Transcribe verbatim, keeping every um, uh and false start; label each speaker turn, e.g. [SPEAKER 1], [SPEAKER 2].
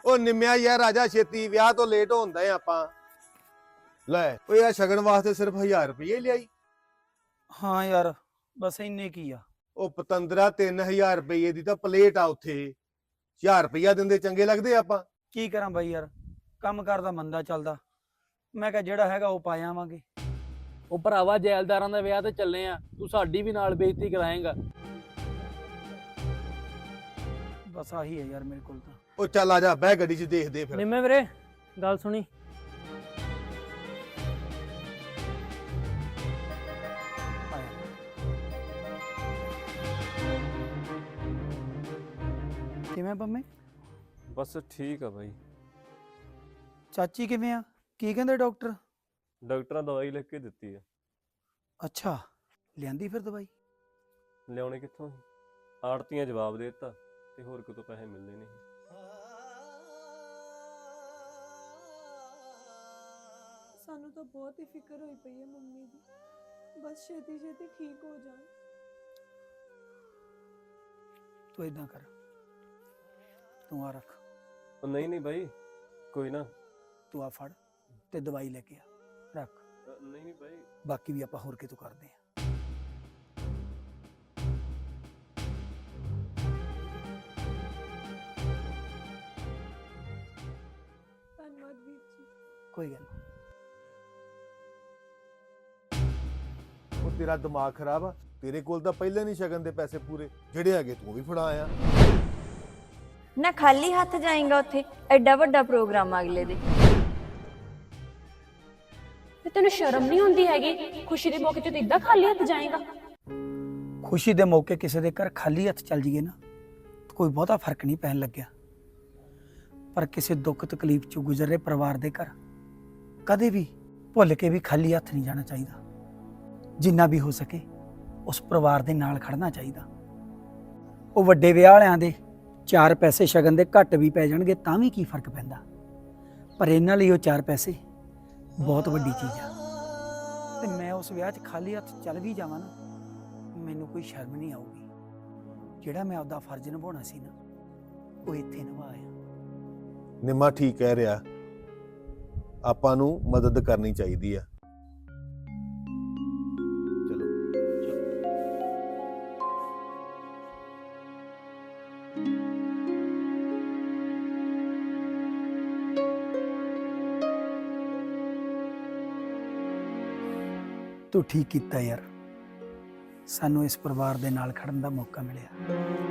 [SPEAKER 1] ਉਹ ਨਿੰਮਿਆ ਯਾਰ ਰਾਜਾ ਛੇਤੀ ਵਿਆਹ ਤੋਂ ਲੇਟ ਹੁੰਦਾ ਆ ਆਪਾਂ। ਲੈ ਉਹ ਯਾਰ ਸ਼ਗਨ ਵਾਸਤੇ ਸਿਰਫ ਹਜ਼ਾਰ ਰੁਪਏ ਲਿਆਈ।
[SPEAKER 2] ਹਾਂ ਯਾਰ ਬਸ ਇੰਨੇ ਕੀ ਆ।
[SPEAKER 1] ਉਹ ਪਤੰਦਰਾ ਤਿੰਨ ਹਜ਼ਾਰ ਰੁਪਏ ਦੀ ਤਾਂ ਪਲੇਟ ਆ ਉੱਥੇ। ਹਜ਼ਾਰ ਰੁਪਇਆ ਦਿੰਦੇ ਚੰਗੇ ਲੱਗਦੇ ਆਪਾਂ।
[SPEAKER 2] ਕੀ ਕਰਾਂ ਬਾਈ ਯਾਰ, ਕੰਮ ਕਰਦਾ ਮੰਦਾ ਚੱਲਦਾ। ਮੈਂ ਕਿਹਾ ਜਿਹੜਾ ਹੈਗਾ ਉਹ ਪਾ ਆਵਾਂਗੇ।
[SPEAKER 3] ਉਹ ਭਰਾਵਾ ਜੈਲਦਾਰਾਂ ਦਾ ਵਿਆਹ ਤੇ ਚੱਲੇ ਆ, ਤੂੰ ਸਾਡੀ ਵੀ ਨਾਲ ਬੇਇੱਜ਼ਤੀ ਕਰਾਏਂਗਾ।
[SPEAKER 2] ਬਸ ਆਹੀ ਹੈ ਯਾਰ ਮੇਰੇ ਕੋਲ ਤਾਂ।
[SPEAKER 1] ਉਹ ਚੱਲ ਆ ਜਾ ਬਹਿ ਗੱਡੀ 'ਚ ਦੇਖਦੇ ਫਿਰ।
[SPEAKER 3] ਨਿੰਮੇ ਵੀਰੇ ਗੱਲ ਸੁਣੀ।
[SPEAKER 2] ਕਿਵੇਂ ਪੰਮੇ?
[SPEAKER 4] ਬਸ ਠੀਕ ਆ ਬਾਈ।
[SPEAKER 2] ਚਾਚੀ ਕਿਵੇਂ ਆ? ਕੀ ਕਹਿੰਦੇ ਡਾਕਟਰ?
[SPEAKER 4] ਡਾਕਟਰਾਂ ਦਵਾਈ ਲਿਖ ਕੇ ਦਿੱਤੀ ਆ।
[SPEAKER 2] ਅੱਛਾ ਲਿਆਂਦੀ ਫਿਰ ਦਵਾਈ?
[SPEAKER 4] ਲਿਆਉਣੇ ਕਿੱਥੋਂ ਸੀ, ਆੜਤੀਆਂ ਜਵਾਬ ਦੇ ਦਿੱਤਾ ਤੇ ਹੋਰ ਕਿਤੋਂ ਪੈਸੇ ਮਿਲਦੇ ਨਹੀਂ।
[SPEAKER 5] ਸਾਨੂੰ ਤਾਂ ਬਹੁਤ ਹੀ ਫਿਕਰ ਹੋਈ ਪਈ ਹੈ ਮੰਮੀ ਦੀ, ਬਸ ਛੇਤੀ ਛੇਤੀ ਠੀਕ ਹੋ ਜਾਣ।
[SPEAKER 2] ਤੂੰ ਏਦਾਂ ਕਰ, ਤੂੰ ਆ ਰੱਖ।
[SPEAKER 4] ਉਹ ਨਹੀਂ ਨਹੀਂ ਬਾਈ, ਕੋਈ ਨਾ।
[SPEAKER 2] ਤੂੰ ਆ ਫੜ ਤੇ ਦਵਾਈ ਲੈ ਕੇ ਆ, ਰੱਖ।
[SPEAKER 4] ਅ, ਨਹੀਂ ਨਹੀਂ ਬਾਈ,
[SPEAKER 2] ਬਾਕੀ ਵੀ ਆਪਾਂ ਹੋਰ ਕਿਤੋਂ ਕਰਦੇ ਆ।
[SPEAKER 5] ਧੰਨਵਾਦ ਵੀਰ ਜੀ।
[SPEAKER 2] ਕੋਈ ਗੱਲ ਨਹੀਂ।
[SPEAKER 1] ਉਹ ਤੇਰਾ ਦਿਮਾਗ ਖਰਾਬ ਆ, ਤੇਰੇ ਕੋਲ ਤਾਂ ਪਹਿਲੇ ਨਹੀਂ ਸ਼ਗਨ ਦੇ ਪੈਸੇ ਪੂਰੇ, ਜਿਹੜੇ ਹੈਗੇ ਤੂੰ ਵੀ ਫੜਾ ਆਇਆ।
[SPEAKER 6] ਨਾ ਖਾਲੀ ਹੱਥ ਜਾਏਗਾ ਉੱਥੇ, ਐਡਾ ਵੱਡਾ ਪ੍ਰੋਗਰਾਮ ਅਗਲੇ ਦੇ।
[SPEAKER 7] ਤੇ ਤੈਨੂੰ ਸ਼ਰਮ ਨਹੀਂ ਹੁੰਦੀ ਹੈਗੀ? ਖੁਸ਼ੀ ਦੇ ਮੌਕੇ ਤੇ ਤੂੰ ਇਦਾਂ ਖਾਲੀ ਹੱਥ ਜਾਏਗਾ?
[SPEAKER 2] ਖੁਸ਼ੀ ਦੇ ਮੌਕੇ ਕਿਸੇ ਦੇ ਘਰ ਖਾਲੀ ਹੱਥ ਚੱਲ ਜੀਏ ਨਾ, ਕੋਈ ਬਹੁਤਾ ਫਰਕ ਨਹੀਂ ਪੈਣ ਲੱਗਿਆ। ਪਰ ਕਿਸੇ ਦੁੱਖ ਤਕਲੀਫ ਚ ਗੁਜ਼ਰ ਰਹੇ ਪਰਿਵਾਰ ਦੇ ਘਰ ਕਦੇ ਵੀ ਭੁੱਲ ਕੇ ਵੀ ਖਾਲੀ ਹੱਥ ਨਹੀਂ ਜਾਣਾ ਚਾਹੀਦਾ। ਜਿੰਨਾ ਵੀ ਹੋ ਸਕੇ ਉਸ ਪਰਿਵਾਰ ਦੇ ਨਾਲ ਖੜਨਾ ਚਾਹੀਦਾ। ਉਹ ਵੱਡੇ ਵਿਆਹ ਵਾਲਿਆਂ ਦੇ ਚਾਰ ਪੈਸੇ ਸ਼ਗਨ ਦੇ ਘੱਟ ਵੀ ਪੈ ਜਾਣਗੇ ਤਾਂ ਵੀ ਕੀ ਫਰਕ ਪੈਂਦਾ, ਪਰ ਇਹਨਾਂ ਲਈ ਉਹ ਚਾਰ ਪੈਸੇ ਬਹੁਤ ਵੱਡੀ ਚੀਜ਼ ਆ। ਤੇ ਮੈਂ ਉਸ ਵਿਆਹ 'ਚ ਖਾਲੀ ਹੱਥ ਚੱਲ ਵੀ ਜਾਵਾਂ ਨਾ, ਮੈਨੂੰ ਕੋਈ ਸ਼ਰਮ ਨਹੀਂ ਆਊਗੀ। ਜਿਹੜਾ ਮੈਂ ਆਪਦਾ ਫਰਜ਼ ਨਿਭਾਉਣਾ ਸੀ ਨਾ, ਉਹ ਇੱਥੇ ਨਿਭਾਇਆ।
[SPEAKER 1] ਨਿੰਮਾ ਠੀਕ ਕਹਿ ਰਿਹਾ, ਆਪਾਂ ਨੂੰ ਮਦਦ ਕਰਨੀ ਚਾਹੀਦੀ ਆ। ਚਲੋ
[SPEAKER 2] ਤੂੰ ਠੀਕ ਕੀਤਾ ਯਾਰ, ਸਾਨੂੰ ਇਸ ਪਰਿਵਾਰ ਦੇ ਨਾਲ ਖੜਨ ਦਾ ਮੌਕਾ ਮਿਲਿਆ।